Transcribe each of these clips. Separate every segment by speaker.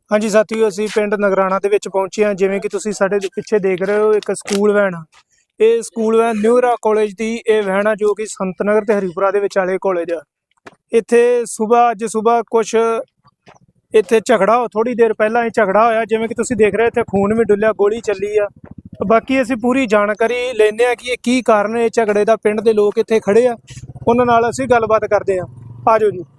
Speaker 1: हाँ जी साथियों, ਅਸੀਂ ਪਿੰਡ ਨਗਰਾਣਾ ਦੇ ਵਿੱਚ ਪਹੁੰਚੇ ਹਾਂ। ਜਿਵੇਂ ਕਿ ਤੁਸੀਂ ਸਾਡੇ ਪਿੱਛੇ ਦੇਖ ਰਹੇ ਹੋ, ਇੱਕ ਸਕੂਲ ਵੈਨ ਆ। ਇਹ ਸਕੂਲ ਵੈਨ ਨਿਊਰਾ ਕਾਲਜ ਦੀ ਇਹ ਵੈਨ ਆ, ਜੋ ਕਿ ਸੰਤ ਨਗਰ ਤੇ ਹਰੀਪੁਰਾ ਦੇ ਵਿਚਾਲੇ ਕਾਲਜ ਆ। ਇੱਥੇ ਅੱਜ ਸਵੇਰ ਕੁਛ ਇੱਥੇ ਝਗੜਾ ਥੋੜੀ ਦੇਰ ਪਹਿਲਾਂ ਹੀ ਝਗੜਾ ਹੋਇਆ। ਜਿਵੇਂ ਕਿ ਤੁਸੀਂ ਦੇਖ ਰਹੇ ਇੱਥੇ ਖੂਨ ਵੀ ਡੁੱਲਿਆ, ਗੋਲੀ ਚੱਲੀ ਆ। ਬਾਕੀ ਅਸੀਂ ਪੂਰੀ ਜਾਣਕਾਰੀ ਲੈਂਦੇ ਆ ਕਿ ਇਹ ਕੀ ਕਾਰਨ ਹੈ ਝਗੜੇ ਦਾ। ਪਿੰਡ ਦੇ ਲੋਕ ਇੱਥੇ ਖੜੇ ਆ, ਉਹਨਾਂ ਨਾਲ ਅਸੀਂ ਗੱਲਬਾਤ ਕਰਦੇ ਆ। ਆਜੋ ਜੀ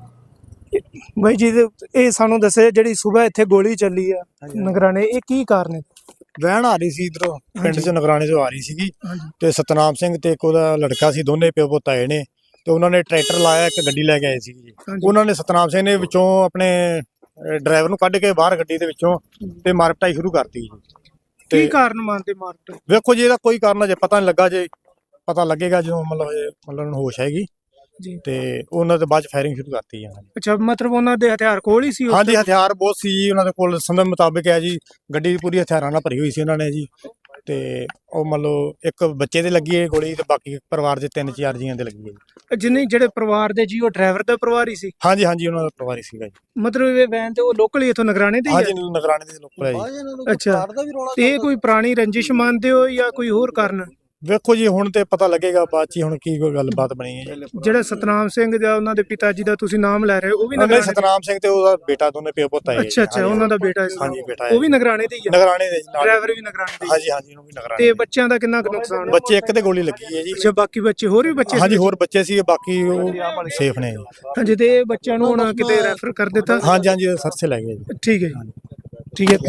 Speaker 1: ਬਾਈ ਜੀ, ਇਹ ਸਾਨੂੰ ਦੱਸੇ ਜਿਹੜੀ ਸਵੇਰ ਇੱਥੇ ਗੋਲੀ ਚੱਲੀ ਆ ਨਗਰਾਣੇ, ਇਹ ਕੀ ਕਾਰਨ ਹੈ?
Speaker 2: ਵੈਨ ਆ ਰਹੀ ਸੀ ਇਧਰੋਂ ਪਿੰਡ ਚ ਨਗਰਾਣੇ ਤੋਂ ਆ ਰਹੀ ਸੀਗੀ ਤੇ ਸਤਨਾਮ ਸਿੰਘ ਤੇ ਇੱਕ ਉਹਦਾ ਲੜਕਾ ਸੀ, ਦੋਨੇ ਪਿਓ ਪੁੱਤ ਆਏ ਨੇ ਤੇ ਉਹਨਾਂ ਨੇ ਟਰੈਕਟਰ ਲਾਇਆ, ਇੱਕ ਗੱਡੀ ਲੈ ਕੇ ਆਏ ਸੀ ਜੀ। ਉਹਨਾਂ ਨੇ ਸਤਨਾਮ ਸਿੰਘ ਨੇ ਵਿੱਚੋਂ ਆਪਣੇ ਡਰਾਈਵਰ ਨੂੰ ਕੱਢ ਕੇ ਬਾਹਰ ਗੱਡੀ ਦੇ ਵਿੱਚੋਂ ਤੇ ਮਾਰ ਪਿਟਾਈ ਸ਼ੁਰੂ ਕਰਤੀ ਜੀ।
Speaker 1: ਕੀ ਕਾਰਨ ਮੰਨਦੇ ਮਾਰ ਪਿਟਾਈ?
Speaker 2: ਵੇਖੋ ਜੀ, ਇਹਦਾ ਕੋਈ ਕਾਰਨ ਅਜੇ ਪਤਾ ਨਹੀਂ ਲੱਗਾ। ਜੇ ਪਤਾ ਲੱਗੇਗਾ ਜਦੋਂ ਮਤਲਬ ਹੋਸ਼ ਆਏਗੀ
Speaker 1: ਜੀ।
Speaker 2: ਤੇ ਉਹਨਾਂ ਦੇ ਬਾਅਦ ਚ ਫਾਇਰਿੰਗ ਸ਼ੁਰੂ ਕਰਤੀ ਹੈ।
Speaker 1: ਅੱਛਾ, ਮਤਲਬ ਉਹਨਾਂ ਦੇ ਹਥਿਆਰ ਕੋਲ ਹੀ ਸੀ?
Speaker 2: ਹਾਂਜੀ, ਹਥਿਆਰ ਬਹੁਤ ਸੀ ਜੀ ਉਹਨਾਂ ਦੇ ਕੋਲ। ਸੰਦਮ ਮੁਤਾਬਕ ਹੈ ਜੀ, ਗੱਡੀ ਪੂਰੀ ਹਥਿਆਰਾਂ ਨਾਲ ਭਰੀ ਹੋਈ ਸੀ ਉਹਨਾਂ ਨੇ ਜੀ। ਤੇ ਉਹ ਮਤਲਬ ਇੱਕ ਬੱਚੇ ਦੇ ਲੱਗੀ ਹੈ ਗੋਲੀ ਤੇ ਬਾਕੀ ਪਰਿਵਾਰ ਦੇ 3-4 ਜੀਆਂ ਦੇ ਲੱਗੀ ਹੈ।
Speaker 1: ਜਿੰਨੇ ਜਿਹੜੇ ਪਰਿਵਾਰ ਦੇ ਜੀ, ਉਹ ਡਰਾਈਵਰ ਦਾ ਪਰਿਵਾਰ ਹੀ ਸੀ?
Speaker 2: ਹਾਂਜੀ ਹਾਂਜੀ, ਉਹਨਾਂ ਦਾ ਪਰਿਵਾਰ ਹੀ ਸੀਗਾ ਜੀ।
Speaker 1: ਮਤਲਬ ਇਹ ਵੈਨ ਤੇ ਉਹ ਲੋਕਲ ਹੀ ਇਥੋਂ ਨਗਰਾਣੇ ਦੇ?
Speaker 2: ਹਾਂਜੀ, ਨਗਰਾਣੇ ਦੇ ਲੋਕਲ ਹੈ ਜੀ।
Speaker 1: ਅੱਛਾ, ਇਹ ਕੋਈ ਪੁਰਾਣੀ ਰੰਜਿਸ਼ ਮੰਨਦੇ ਹੋ ਜਾਂ ਕੋਈ ਹੋਰ ਕਾਰਨ?
Speaker 2: ਵੇਖੋ ਜੀ, ਹੁਣ ਤੇ ਪਤਾ ਲੱਗੇਗਾ ਬਾਅਦ ਚ ਹੁਣ ਕੀ ਕੋਈ ਗੱਲਬਾਤ ਬਣੀ ਹੈ ਜੀ।
Speaker 1: ਜਿਹੜਾ ਸਤਨਾਮ ਸਿੰਘ ਜਾਂ ਉਹਨਾਂ ਦੇ ਪਿਤਾ ਜੀ ਦਾ ਤੁਸੀਂ ਨਾਮ ਲੈ ਰਹੇ ਹੋ, ਉਹ ਵੀ ਨਗਰਾਣੇ?
Speaker 2: ਸਤਨਾਮ ਸਿੰਘ ਤੇ ਉਹਦਾ ਬੇਟਾ, ਦੋਨੇ ਪਿਓ ਪੁੱਤ ਆਏ।
Speaker 1: ਅੱਛਾ ਅੱਛਾ, ਉਹਨਾਂ ਦਾ ਬੇਟਾ?
Speaker 2: ਹਾਂਜੀ, ਬੇਟਾ
Speaker 1: ਉਹ ਵੀ ਨਗਰਾਣੇ ਦੇ ਹੀ ਆ?
Speaker 2: ਨਗਰਾਣੇ ਦੇ,
Speaker 1: ਡਰਾਈਵਰ ਵੀ ਨਗਰਾਣੇ ਦੇ?
Speaker 2: ਹਾਂਜੀ ਹਾਂਜੀ, ਉਹਨੂੰ ਵੀ ਨਗਰਾਣੇ।
Speaker 1: ਤੇ ਬੱਚਿਆਂ ਦਾ ਕਿੰਨਾ ਕੁ ਨੁਕਸਾਨ?
Speaker 2: ਬੱਚੇ ਇੱਕ ਤੇ ਗੋਲੀ ਲੱਗੀ ਹੈ ਜੀ।
Speaker 1: ਅੱਛਾ, ਬਾਕੀ ਬੱਚੇ ਹੋਰ ਵੀ ਬੱਚੇ?
Speaker 2: ਹਾਂਜੀ, ਹੋਰ ਬੱਚੇ ਸੀ, ਬਾਕੀ ਉਹ ਸੇਫ ਨੇ।
Speaker 1: ਹਾਂਜੀ, ਤੇ ਬੱਚਿਆਂ ਨੂੰ ਹੁਣ ਕਿਤੇ ਰੈਫਰ ਕਰ ਦਿੱਤਾ?
Speaker 2: ਹਾਂਜੀ ਹਾਂਜੀ, ਸਰਸੇ ਲੈ ਗਏ ਜੀ।
Speaker 1: ਠੀਕ ਹੈ ਜੀ, ਠੀਕ ਹੈ।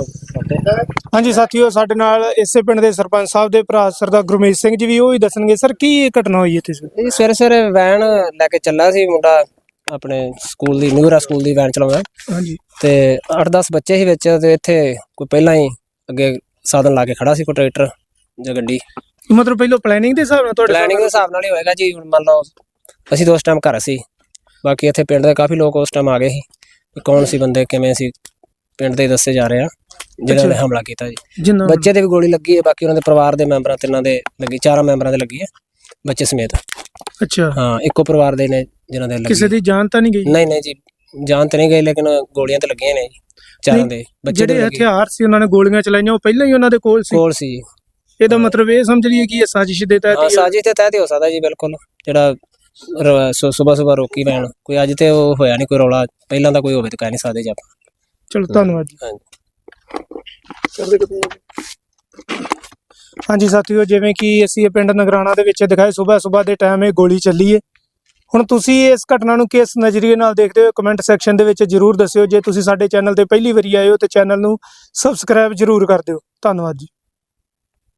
Speaker 1: ਹਾਂਜੀ ਸਾਥੀਓ, ਸਾਡੇ ਨਾਲ ਇਸੇ ਪਿੰਡ ਦੇ ਸਰਪੰਚ ਸਾਹਿਬ ਦੇ ਭਰਾ ਸਰਦਾਰ ਗੁਰਮੀਤ ਸਿੰਘ ਜੀ ਵੀ ਉਹ ਹੀ ਦੱਸਣਗੇ। ਸਰ, ਕੀ ਇਹ ਘਟਨਾ ਹੋਈ ਇੱਥੇ?
Speaker 3: ਇਹ ਸਵੇਰੇ ਵੈਨ ਲੈ ਕੇ ਚੱਲਾ ਸੀ ਮੁੰਡਾ, ਆਪਣੇ ਸਕੂਲ ਦੀ ਨਿਊਰਾ ਸਕੂਲ ਦੀ ਵੈਨ ਚਲਾਉਂਦਾ।
Speaker 1: ਹਾਂਜੀ।
Speaker 3: ਤੇ 8-10 ਬੱਚੇ ਸੀ ਵਿੱਚ, ਤੇ ਇੱਥੇ ਕੋਈ ਪਹਿਲਾਂ ਹੀ ਅੱਗੇ ਸਾਧਨ ਲਾ ਕੇ ਖੜਾ ਸੀ, ਕੋਈ ਟਰੈਕਟਰ ਜਾਂ ਗੱਡੀ।
Speaker 1: ਮਤਲਬ ਪਹਿਲਾਂ ਪਲੈਨਿੰਗ ਦੇ ਹਿਸਾਬ ਨਾਲ? ਤੁਹਾਡੇ
Speaker 3: ਪਲੈਨਿੰਗ ਦੇ ਹਿਸਾਬ ਨਾਲ ਹੀ ਹੋਏਗਾ ਜੀ। ਹੁਣ ਮੰਨ ਲਓ ਅਸੀਂ ਤਾਂ ਉਸ ਟਾਈਮ ਘਰ ਸੀ, ਬਾਕੀ ਇੱਥੇ ਪਿੰਡ ਦੇ ਕਾਫੀ ਲੋਕ ਉਸ ਟਾਈਮ ਆ ਗਏ ਸੀ। ਕੌਣ ਸੀ ਬੰਦੇ, ਕਿਵੇਂ ਸੀ, ਪਿੰਡ ਦੇ ਦੱਸੇ ਜਾ ਰਹੇ ਆ ਜਿਹਨਾਂ ਨੇ ਹਮਲਾ ਕੀਤਾ ਜੀ। ਬੱਚੇ ਦੇ ਵੀ ਗੋਲੀ ਲੱਗੀ ਹੈ, ਬਾਕੀ ਉਹਨਾਂ ਦੇ ਪਰਿਵਾਰ ਦੇ ਮੈਂਬਰਾਂ 3 ਦੇ ਲੱਗੀ, 4 ਮੈਂਬਰਾਂ ਦੇ ਲੱਗੀ ਹੈ, ਬੱਚੇ ਸਮੇਤ।
Speaker 1: ਅੱਛਾ,
Speaker 3: ਹਾਂ, ਇੱਕੋ ਪਰਿਵਾਰ ਦੇ ਨੇ ਜਿਨ੍ਹਾਂ ਦੇ ਲੱਗੀ।
Speaker 1: ਕਿਸੇ ਦੀ ਜਾਨ ਤਾਂ ਨਹੀਂ ਗਈ?
Speaker 3: ਨਹੀਂ ਨਹੀਂ ਜੀ, ਜਾਨ ਤਾਂ ਨਹੀਂ ਗਈ, ਲੇਕਿਨ ਗੋਲੀਆਂ ਤਾਂ ਲੱਗੀਆਂ ਨੇ ਜੀ 4 ਦੇ ਬੱਚੇ।
Speaker 1: ਜਿਹੜੇ ਹਥਿਆਰ ਸੀ ਉਹਨਾਂ ਨੇ ਗੋਲੀਆਂ ਚਲਾਈਆਂ, ਉਹ ਪਹਿਲਾਂ ਹੀ ਉਹਨਾਂ ਦੇ ਕੋਲ ਸੀ? ਇਹਦਾ ਮਤਲਬ ਇਹ ਸਮਝ ਲਈਏ ਕਿ ਇਹ ਸਾਜ਼ਿਸ਼ ਦੇ ਤਹਿਤ?
Speaker 3: ਹਾਂ, ਸਾਜ਼ਿਸ਼ ਦੇ ਤਹਿਤ ਹੀ ਹੋ ਸਕਦਾ ਜੀ, ਬਿਲਕੁਲ। ਜਿਹੜਾ ਸੁਬਹ ਰੋਕੀ ਵੈਨ, ਕੋਈ ਅੱਜ ਤੇ ਉਹ ਹੋਇਆ ਨਹੀਂ ਕੋਈ ਰੌਲਾ, ਪਹਿਲਾਂ ਤਾਂ ਕੋਈ ਹੋਵੇ ਤਾਂ ਕਹਿ ਨਹੀਂ ਸਕਦੇ ਜੀ ਆਪਾਂ।
Speaker 1: ਚਲੋ, ਧੰਨਵਾਦ ਜੀ। ਹਾਂਜੀ ਸਾਥੀਓ, ਜਿਵੇਂ ਕਿ ਅਸੀਂ ਇਹ ਪਿੰਡ ਨਗਰਾਣਾ ਦੇ ਵਿੱਚ ਦਿਖਾਏ, ਸਵੇਰ ਦੇ ਟਾਈਮ ਇਹ ਗੋਲੀ ਚੱਲੀ ਹੈ। ਹੁਣ ਤੁਸੀਂ ਇਸ ਘਟਨਾ ਨੂੰ ਕਿਸ ਨਜ਼ਰੀਏ ਨਾਲ ਦੇਖਦੇ ਹੋ, ਕਮੈਂਟ ਸੈਕਸ਼ਨ ਦੇ ਵਿੱਚ ਜਰੂਰ ਦੱਸਿਓ। ਜੇ ਤੁਸੀਂ ਸਾਡੇ ਚੈਨਲ ਤੇ ਪਹਿਲੀ ਵਾਰੀ ਆਏ ਹੋ ਤੇ ਚੈਨਲ ਨੂੰ ਸਬਸਕ੍ਰਾਈਬ ਜਰੂਰ ਕਰ ਦਿਓ। ਧੰਨਵਾਦ ਜੀ।